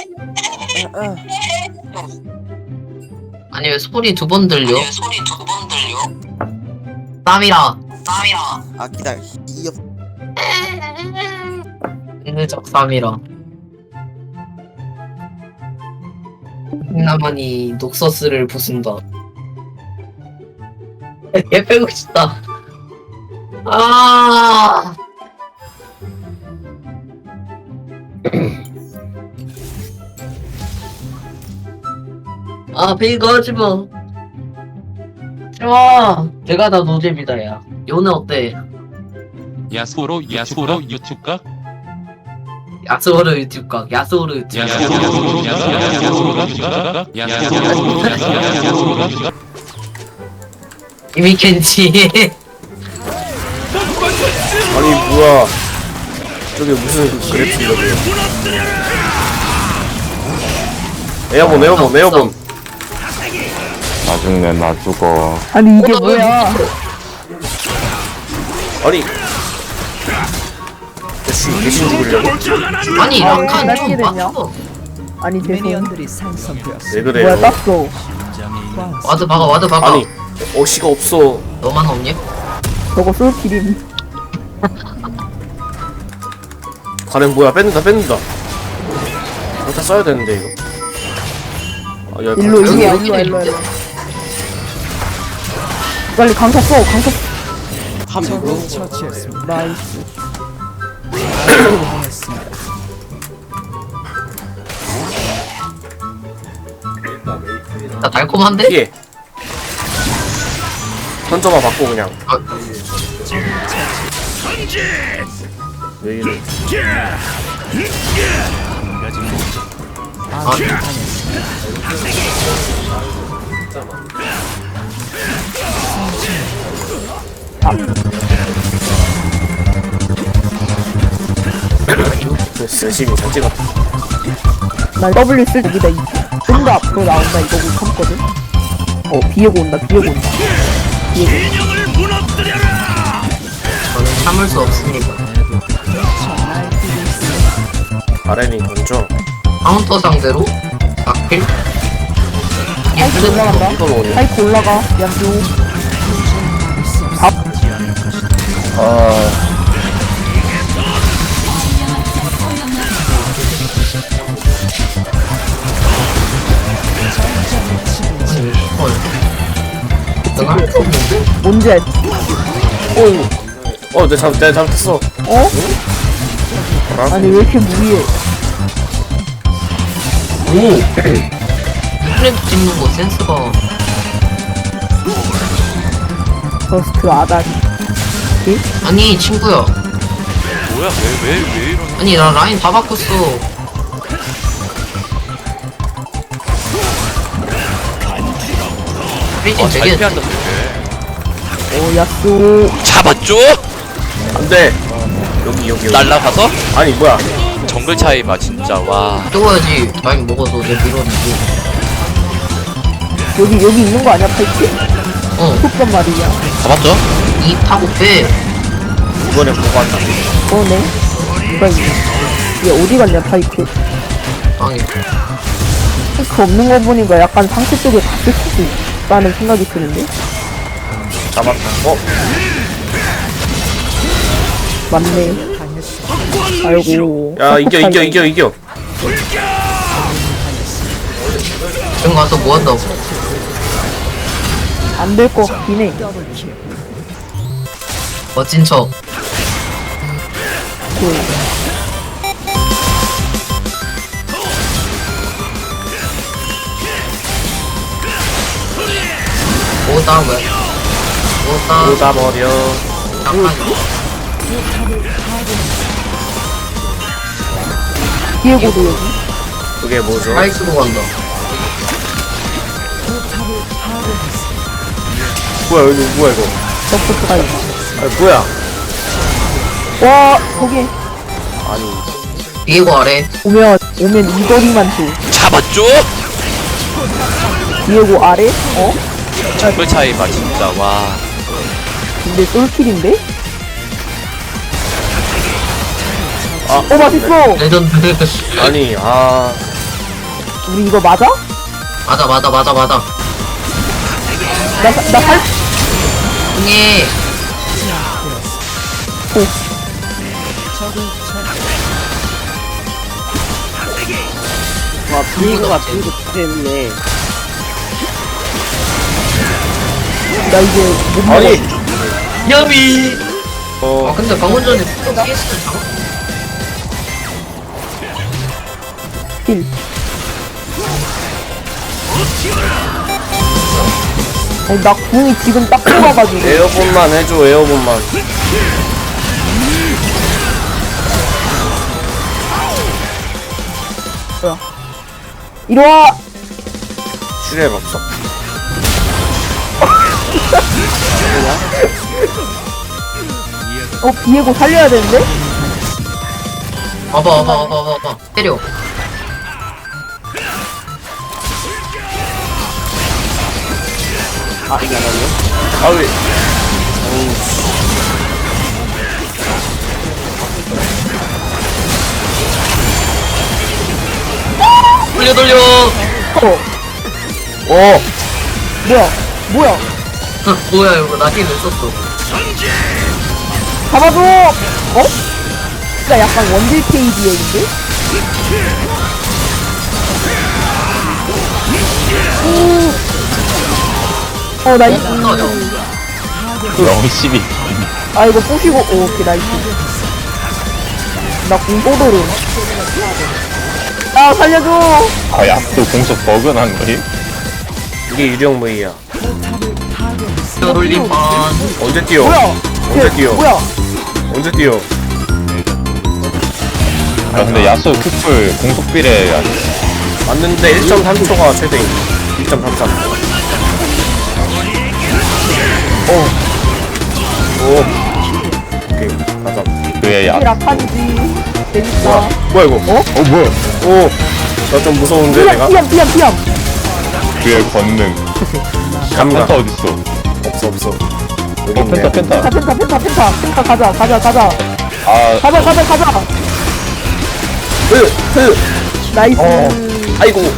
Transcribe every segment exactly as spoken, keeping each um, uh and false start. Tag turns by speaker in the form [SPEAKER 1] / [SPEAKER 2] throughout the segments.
[SPEAKER 1] 아니 왜 소리 두 번 들려?
[SPEAKER 2] 아니, 소리 두 번 들려?
[SPEAKER 1] 땀이라.
[SPEAKER 2] 땀이야.
[SPEAKER 3] 아 기다려. 이 옆.
[SPEAKER 1] 은느적 땀이라. 나만이 녹서스를 부순다. 얘 빼고 싶다. 아. 아, 이거 하지 마. 좋아. 제가 다 노잼이다, 야. 요네 어때?
[SPEAKER 4] 야수로 야수로 유튜브가
[SPEAKER 1] 야스오르 유튜브 각, 야스오르 유튜브 각.
[SPEAKER 4] 야수로 야수로 유튜브가 야수로 야수로 유튜브가
[SPEAKER 1] 이미 켄지.
[SPEAKER 3] 아니 뭐야? 저게 무슨 그래프 이러네요. 에어본 에어본 에어본.
[SPEAKER 5] 나중에 나 죽어.
[SPEAKER 6] 아니 이게
[SPEAKER 1] 어, 나
[SPEAKER 6] 뭐야?
[SPEAKER 3] 아니. 대신 대신 죽으려고?
[SPEAKER 1] 아니,
[SPEAKER 6] 아,
[SPEAKER 1] 라칸
[SPEAKER 6] 왜
[SPEAKER 1] 좀
[SPEAKER 6] 이렇게 됐냐?
[SPEAKER 1] 봤어.
[SPEAKER 6] 아니 죄송.
[SPEAKER 7] 미니언들이 생성되었습니다.
[SPEAKER 3] 왜
[SPEAKER 6] 뭐야
[SPEAKER 3] 그래요?
[SPEAKER 6] 땄어.
[SPEAKER 1] 와드 박아, 와드 박아.
[SPEAKER 3] 아니 어시가 없어.
[SPEAKER 1] 너만 없냐?
[SPEAKER 6] 저거 솔킬임.
[SPEAKER 3] 가렌 뭐야? 뺏는다 뺏는다. 일단 써야 되는데 이거. 아, 야,
[SPEAKER 6] 일로
[SPEAKER 3] 가-
[SPEAKER 6] 일로 와
[SPEAKER 1] 여기,
[SPEAKER 6] 일로 와
[SPEAKER 1] 여기
[SPEAKER 6] 일로 와. 일로 와. 빨리 강타 써 강타.
[SPEAKER 7] 적을 처치했습니다.
[SPEAKER 6] 나이스.
[SPEAKER 7] 당했습니다.
[SPEAKER 1] 나 달콤한데?
[SPEAKER 3] 피해. 던져봐 받고 그냥.
[SPEAKER 1] 아.
[SPEAKER 3] 왜 이래?
[SPEAKER 7] 아군이 당했습니다.
[SPEAKER 3] 열심히 잘 찍었다.
[SPEAKER 6] 나 W 쓸 여기다 좀 더 앞으로 나온다 이거 못 참거든. 어 비에고 온다 비에고 온다.
[SPEAKER 1] 저는 참을 수 없습니다.
[SPEAKER 3] 가렌이 던져.
[SPEAKER 1] 카운터 상대로 낙필? 이게
[SPEAKER 6] 파이크
[SPEAKER 1] 플랫
[SPEAKER 6] 올라간다.
[SPEAKER 3] 이걸 오냐?
[SPEAKER 6] 파이크 올라가. 양조.
[SPEAKER 5] 아,
[SPEAKER 1] 헐. 내가 할 수 없는데?
[SPEAKER 6] 뭔지 알지?
[SPEAKER 3] 어이구. 어, 내 잘못, 내가 잘못했어.
[SPEAKER 6] 어? 아니 왜 이렇게 무리해?
[SPEAKER 1] 오! 플랩 찍는 거 센스가.
[SPEAKER 6] 저스트 아다리.
[SPEAKER 1] 아니, 친구야.
[SPEAKER 4] 뭐야 왜 왜 왜 이러는
[SPEAKER 1] 아니, 나 라인 다 바꿨어. 프리징 되게.
[SPEAKER 4] 피한다
[SPEAKER 6] 오 야쏘.
[SPEAKER 4] 잡았죠?
[SPEAKER 3] 안 돼. 여기, 여기, 여기.
[SPEAKER 4] 날라가서
[SPEAKER 3] 아니, 뭐야.
[SPEAKER 4] 정글 차이 봐 진짜 와
[SPEAKER 1] 뜨거워야지. 라인 먹어서 내 밀어내고.
[SPEAKER 6] 여기 여기 있는 거 아니야 파이크?
[SPEAKER 1] 어,
[SPEAKER 6] 속단 말이야.
[SPEAKER 4] 잡았죠?
[SPEAKER 1] 입 타고 빼.
[SPEAKER 3] 이번에 뭐가 한다.
[SPEAKER 6] 그러네. 누가 있네. 얘 어디 갔냐 파이크?
[SPEAKER 1] 아니,
[SPEAKER 6] 파이크 없는 거 보니까 약간 상체 쪽에 갔을 수도 있다는 생각이 드는데.
[SPEAKER 3] 잡았다. 어?
[SPEAKER 6] 맞네. 아이고.
[SPEAKER 3] 야, 이겨, 이겨, 이겨, 이겨.
[SPEAKER 1] 지금 가서 뭐 한다고.
[SPEAKER 6] 안될 것 같긴 해.
[SPEAKER 1] 멋진 척. 오다 왜? 오다.
[SPEAKER 3] 쏟아버려.
[SPEAKER 1] 잠깐.
[SPEAKER 6] 디에고도 여기.
[SPEAKER 3] 그게 뭐죠?
[SPEAKER 1] 파이크로 간다.
[SPEAKER 3] 뭐야, 여기 뭐야, 이거.
[SPEAKER 6] 서포트 가이.
[SPEAKER 3] 아니, 뭐야.
[SPEAKER 6] 와 거기
[SPEAKER 3] 아니.
[SPEAKER 1] 비에고 아래.
[SPEAKER 6] 오면 오면 이 거리만 줘.
[SPEAKER 4] 잡았죠?
[SPEAKER 6] 디에고 아래? 어?
[SPEAKER 4] 정글 차이 봐 진짜 와
[SPEAKER 6] 근데 솔킬인데?
[SPEAKER 3] 아,
[SPEAKER 6] 어 맛있어.
[SPEAKER 1] 레전드.
[SPEAKER 3] 아니, 아.
[SPEAKER 6] 우리 이거 맞아?
[SPEAKER 1] 맞아 맞아 맞아 맞아.
[SPEAKER 6] 나나살
[SPEAKER 1] 형이
[SPEAKER 8] 와 비거가 비거 때문에
[SPEAKER 6] 나 이제 못 먹어.
[SPEAKER 3] 아니
[SPEAKER 1] 야미. 아
[SPEAKER 3] 어
[SPEAKER 1] 근데 방금 전에 피에스를 잡아.
[SPEAKER 6] 힐. 아니 나 궁이 지금 딱 뽑아가지고.
[SPEAKER 3] 에어본만 해줘 에어본만.
[SPEAKER 6] 뭐야? 이리 와.
[SPEAKER 3] 슈레 없어.
[SPEAKER 6] 어 비에고 살려야 되는데?
[SPEAKER 1] 와봐 와봐 와봐 와봐 때려.
[SPEAKER 8] 아 이게 안 하네.
[SPEAKER 3] 아왜
[SPEAKER 1] 돌려 돌려.
[SPEAKER 6] 어
[SPEAKER 3] 어
[SPEAKER 6] 뭐야 뭐야?
[SPEAKER 1] 뭐야 이거 나 힘을 썼어.
[SPEAKER 6] 잡아줘. 어? 진짜 약간 원딜 케이디엑인데? 어 나이스.
[SPEAKER 5] 영십이.
[SPEAKER 6] 아 이거 부시고 오, 오케이 나이스. 나 공포도로. 아 살려줘.
[SPEAKER 5] 아, 야또 공속 버그 난 거지?
[SPEAKER 3] 이게 유령 무이야.
[SPEAKER 1] 돌림판.
[SPEAKER 3] 언제 뛰어?
[SPEAKER 6] 뭐야?
[SPEAKER 3] 언제
[SPEAKER 6] 쟤,
[SPEAKER 3] 뛰어?
[SPEAKER 6] 뭐야?
[SPEAKER 3] 언제 뛰어?
[SPEAKER 5] 야 근데 야수 큐플 공속 비례 야
[SPEAKER 3] 맞는데 일 점 삼 초가 최대인. 일 점 삼삼. 오. 오. 오케이 가자.
[SPEAKER 5] 그의 야.
[SPEAKER 6] 이 라칸이지. 재밌다.
[SPEAKER 3] 뭐야? 뭐야 이거? 어?
[SPEAKER 5] 어 뭐야?
[SPEAKER 3] 오. 나 좀 무서운데 내가?
[SPEAKER 6] 피암 피암 피암 피암.
[SPEAKER 5] 그의 권능.
[SPEAKER 3] 감각.
[SPEAKER 5] 펜타 어딨어?
[SPEAKER 3] 없어 없어. 여기
[SPEAKER 5] 어 펜타
[SPEAKER 3] 있네.
[SPEAKER 5] 펜타.
[SPEAKER 6] 펜타 펜타 펜타 펜타 펜타 가자 가자 가자
[SPEAKER 5] 아
[SPEAKER 6] 가자 가자 가자.
[SPEAKER 3] 흐 흐.
[SPEAKER 6] 나이스.
[SPEAKER 3] 어. 아이고.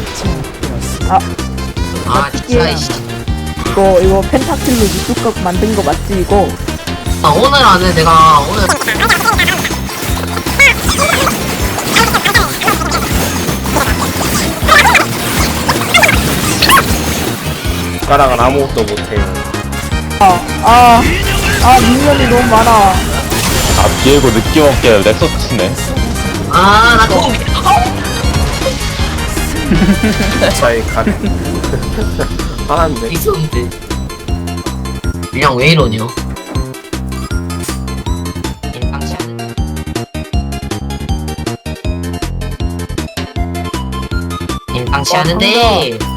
[SPEAKER 1] 아 진짜 이씨.
[SPEAKER 6] 이거 이거 펜타킬로 유튜브 만든 거 맞지 이거?
[SPEAKER 1] 아 오늘 안에 내가 오늘
[SPEAKER 3] 가락은 아무것도 못해요.
[SPEAKER 6] 아아아 아, 미니언이 너무 많아.
[SPEAKER 5] 아 비에고 느낌 없게 넥서스 치네.
[SPEAKER 1] 아나 그거
[SPEAKER 3] 차이 가네. 화난데.
[SPEAKER 1] 있었는데 그냥 왜 이러냐. 임방치 하는데 임방치 하는데